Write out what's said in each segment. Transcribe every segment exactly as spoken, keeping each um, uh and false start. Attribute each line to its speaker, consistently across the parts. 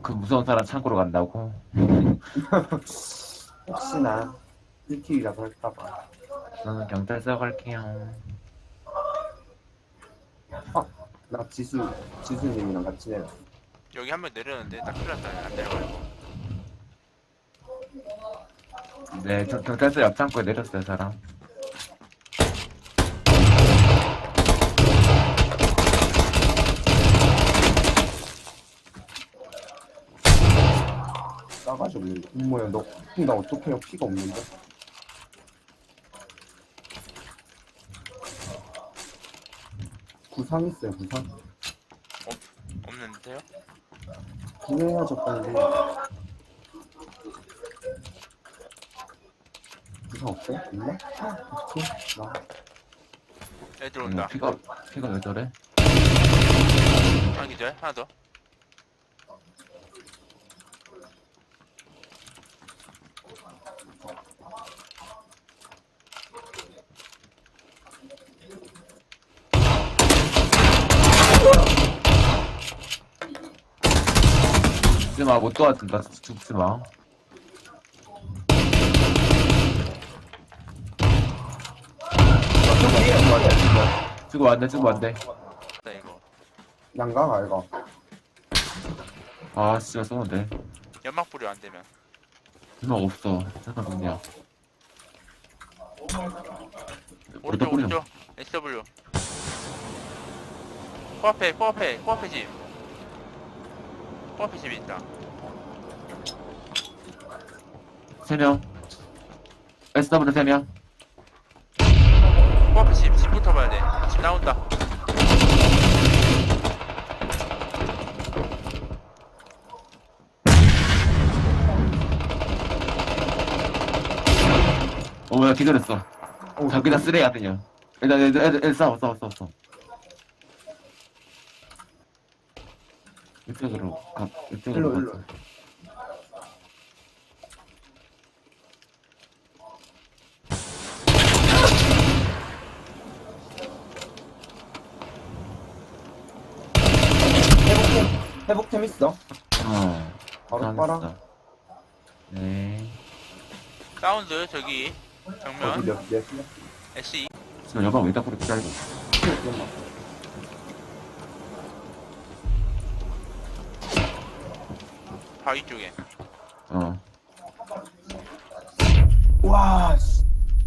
Speaker 1: 그 무서운 사람 창고로 간다고?
Speaker 2: 혹시나 일 킬이라도 할까봐.
Speaker 1: 저는 경찰서 갈게요.
Speaker 2: 나 지수, 지수님이랑 같이 내려.
Speaker 3: 여기 한 명 내렸는데 나 큰일 났다. 안 내려가지고.
Speaker 1: 네, 저 경찰서 옆 창고에 내렸어요, 사람.
Speaker 2: 싸가지 없는데. 뭐야, 너, 나 어떡해요? 피가 없는데? 구상 있어요, 구상?
Speaker 3: 없는데요?
Speaker 2: 구해야죠, 빨리. 구상 없어요? 있나? 어떡해? 나.
Speaker 3: 애들
Speaker 1: 음,
Speaker 3: 온다.
Speaker 1: 피가, 피가 왜 저래?
Speaker 3: 하나 기절. 하나 더.
Speaker 1: 죽지 마, 못 도와준다, 죽지 마. 죽어 안 돼, 죽어 안 돼.
Speaker 3: 나 이거.
Speaker 2: 난가, 이거.
Speaker 1: 아, 진짜 쏘는데.
Speaker 3: 연막 뿌려 안 되면.
Speaker 1: 음악 없어. 잠깐만요.
Speaker 3: 오른쪽 오른쪽. 에스 더블유. 코앞에 코앞에 코앞에 집. 코앞에 집이 있다.
Speaker 1: 세 명. 에스더블유 세 명.
Speaker 3: 코앞에 집. 집부터 봐야 돼. 집 나온다.
Speaker 1: 어, 뭐야, 기절했어.
Speaker 2: 어,
Speaker 1: 자기다 쓰레야, 그냥. 애들, 애들, 애들, 애들 싸워, 싸워, 싸워, 싸워. 이쪽으로, 가, 이쪽으로.
Speaker 2: 일로, 일로.
Speaker 1: 가자.
Speaker 2: 회복템, 회복템 있어?
Speaker 1: 어.
Speaker 2: 바로
Speaker 1: 알았어.
Speaker 2: 빨아.
Speaker 1: 네.
Speaker 3: 사운드 저기
Speaker 2: 어디
Speaker 3: 정면
Speaker 2: 몇, 몇, 몇?
Speaker 3: 에스이.
Speaker 1: 지금 여방 왜 딱 그렇게 짧고.
Speaker 2: 잠깐만.
Speaker 3: 바위 쪽에.
Speaker 1: 어.
Speaker 2: 와, 씨.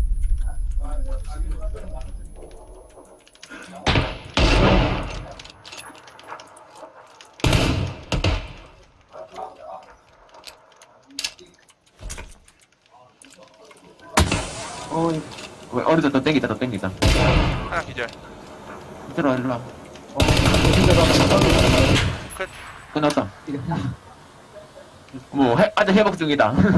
Speaker 2: 어이,
Speaker 1: 왜, 어리다, 더 땡기자, 더 땡기자.
Speaker 3: 하나 기절.
Speaker 1: 이리 와, 이리 와.
Speaker 2: 어, 힘들어.
Speaker 3: 끝.
Speaker 1: 끝났다. 뭐, 해, 아직 회복 중이다.